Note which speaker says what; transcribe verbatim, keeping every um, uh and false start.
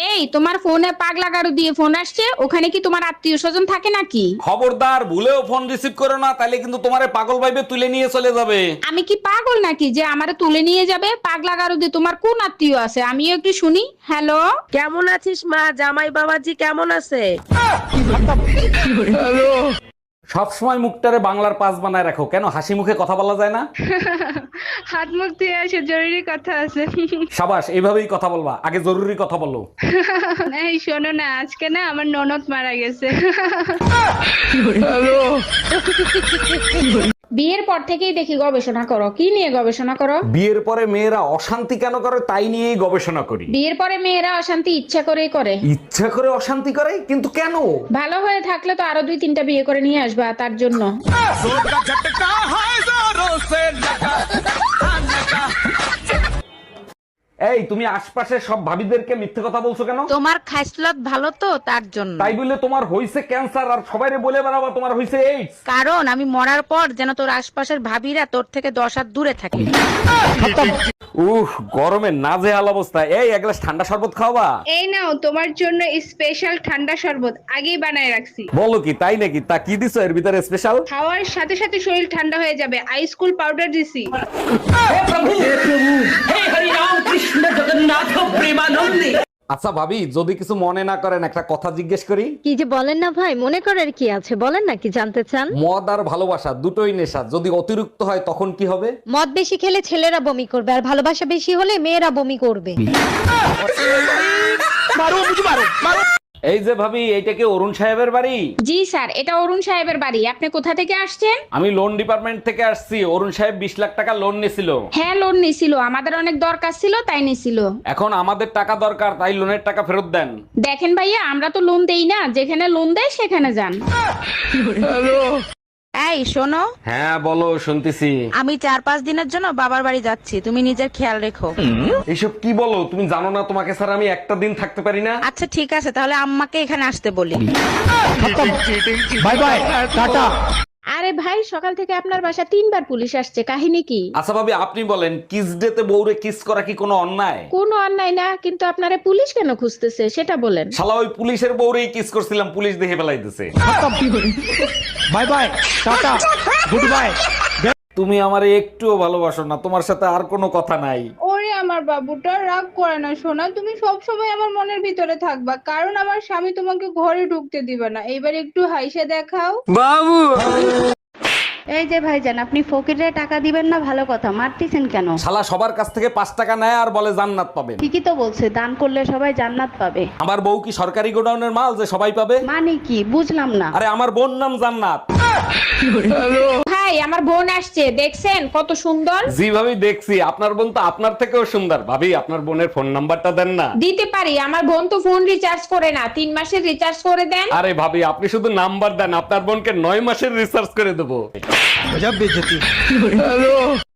Speaker 1: এই তোমার ফোনে পাগলা গারু দিয়ে ফোন আসছে, ওখানে কি তোমার আত্মীয় স্বজন থাকে নাকি?
Speaker 2: খবরদার, ভুলেও ফোন রিসিভ করো না, তাইলে কিন্তু তোমারে পাগল ভাইবে তুলে নিয়ে চলে যাবে।
Speaker 1: আমি কি পাগল নাকি যে আমারে তুলে নিয়ে যাবে? পাগলা গারু দিয়ে তোমার কোন আত্মীয় আছে আমিও একটু শুনি। হ্যালো,
Speaker 3: কেমন আছিস মা? জামাই বাবাজি কেমন আছে?
Speaker 2: সব সময় মুখটারে বাংলার পাস বানায় রাখো কেন? হাসি মুখে কথা বলা যায় না?
Speaker 4: হাত মুখ ধুয়ে আসে, জরুরি কথা আছে।
Speaker 2: সাবাস, এইভাবেই কথা বলবা, আগে জরুরি কথা বলো।
Speaker 4: এই শোনো না, আজকে না আমার ননদ মারা গেছে।
Speaker 1: বিয়ের পর থেকেই দেখি গবেষণা করো। কি নিয়ে গবেষণা করো?
Speaker 2: বিয়ের পরে মেয়েরা অশান্তি কেন করে তাই নিয়েই গবেষণা করি।
Speaker 1: বিয়ের পরে মেয়েরা অশান্তি ইচ্ছা করেই করে।
Speaker 2: ইচ্ছা করে অশান্তি করে, কিন্তু কেন?
Speaker 1: ভালো হয়ে থাকলে তো আরো দুই তিনটা বিয়ে করে নিয়ে আসবা তার জন্য।
Speaker 2: এই, তুমি আশপাশের সব ভাবিদেরকে মিথ্যে কথা বলছো কেন?
Speaker 3: তোমার খাইসলত ভালো তো তার জন্য।
Speaker 2: তাই বলে তোমার হইছে ক্যান্সার আর সবাইরে বলে বেড়াবা তোমার হইছে এইডস?
Speaker 3: কারণ আমি মরার পর যেন তোর আশপাশের ভাবিরা তোর থেকে দশ হাত দূরে থাকে।
Speaker 2: উফ, গরমে নাজেহাল অবস্থা। এই, এক গ্লাস ঠান্ডা শরবত খাওয়াবা?
Speaker 4: এই নাও তোমার জন্য স্পেশাল ঠান্ডা শরবত আগেই বানায় রাখছি।
Speaker 2: বলো কি, তাই নাকি? তা কি দিছো এর ভিতরে স্পেশাল?
Speaker 4: খাওয়ার সাথে সাথে শরীর ঠান্ডা হয়ে যাবে, আইস কুল পাউডার দিছি।
Speaker 2: আচ্ছা ভাবি, যদি কিছু মনে না করেন একটা কথা জিজ্ঞেস করি।
Speaker 5: কি যে বলেন না ভাই, মনে করার কি আছে, বলেন না কি জানতে চান।
Speaker 2: মদ আর ভালোবাসা দুটোই নেশা, যদি অতিরিক্ত হয় তখন কি হবে?
Speaker 5: মদ বেশি খেলে ছেলেরা বমি করবে, আর ভালোবাসা বেশি হলে মেয়েরা বমি করবে।
Speaker 2: এই যে ভাবি, এইটা কি অরুণ সাহেবের বাড়ি?
Speaker 1: জি স্যার, এটা অরুণ সাহেবের বাড়ি। আপনি কোথা থেকে আসছেন?
Speaker 2: আমি লোন ডিপার্টমেন্ট থেকে আসছি। অরুণ সাহেব বিশ লাখ টাকা লোন নিছিল।
Speaker 1: হ্যাঁ, লোন নিছিল, আমাদের অনেক দরকার ছিল তাই নিছিল।
Speaker 2: এখন আমাদের টাকা দরকার, তাই লোনের টাকা ফেরত দেন।
Speaker 1: দেখেন ভাইয়া, আমরা তো লোন দেই না, যেখানে লোন দেয় সেখানে যান।
Speaker 3: এই শোনো,
Speaker 2: হ্যাঁ বলো, শুনতেছি।
Speaker 3: আমি চার পাঁচ দিনের জন্য বাবার বাড়ি যাচ্ছি, তুমি নিজের খেয়াল রেখো।
Speaker 2: এইসব কি বলো তুমি? জানো না তোমাকে স্যার আমি একটা দিন থাকতে পারি না?
Speaker 3: আচ্ছা ঠিক আছে, তাহলে আম্মাকে এখানে আসতে বলি।
Speaker 2: Bye bye, ta-ta.
Speaker 1: আরে ভাই, সকাল থেকে আপনার বাসা তিনবার পুলিশ আসছে, কাহিনী কি?
Speaker 2: আচ্ছা ভাবি, আপনি বলেন, কিস ডেতে বউরে কিস করা কি কোনো অন্যায়?
Speaker 1: কোনো অন্যায় না, কিন্তু আপনারে পুলিশ কেন খুঁজতেছে সেটা বলেন।
Speaker 2: শালা ওই পুলিশের বউরেই কিস করছিলাম, পুলিশ দেখে ফেলাইতেছে।
Speaker 6: Bye bye, ta-ta, goodbye.
Speaker 2: তুমি আমারে একটুও ভালোবাসো না, তোমার সাথে আর কোনো কথা নাই।
Speaker 4: ওরে আমার বাবুটা, রাগ করে না সোনা, তুমি সব সময় আমার মনের ভিতরে থাকবা, কারণ আমার স্বামী তোমাকে ঘরে ঢুকতে দিবে না। এইবার একটু হাইসে দেখাও।
Speaker 7: এই যে ভাইজান, আপনি ফকিরে টাকা দিবেন না, ভালো কথা, মারতেছেন কেন?
Speaker 2: শালা সবার কাছ থেকে পাঁচ টাকা নেয় আর বলে জান্নাত পাবেন।
Speaker 7: ঠিকই তো বলছে, দান করলে সবাই জান্নাত পাবে।
Speaker 2: আমার বউ কি সরকারি গোডাউনের মাল যে সবাই পাবে?
Speaker 7: মানে কি বুঝলাম না।
Speaker 2: আরে আমার বোন নাম জান্নাত।
Speaker 1: ভাই, আমার বোন আসছে, দেখছেন কত সুন্দর?
Speaker 2: জি ভাবি, দেখছি। আপনার বোন তো আপনার থেকেও সুন্দর। ভাবি, আপনার বোনের ফোন নাম্বারটা দেন না।
Speaker 1: দিতে পারি, আমার বোন তো ফোন রিচার্জ করে না, তিন মাসের রিচার্জ করে দেন।
Speaker 2: আরে ভাবি, আপনি শুধু নাম্বার দেন, আপনার বোনকে নয় মাসের রিসার্চ করে দেবো।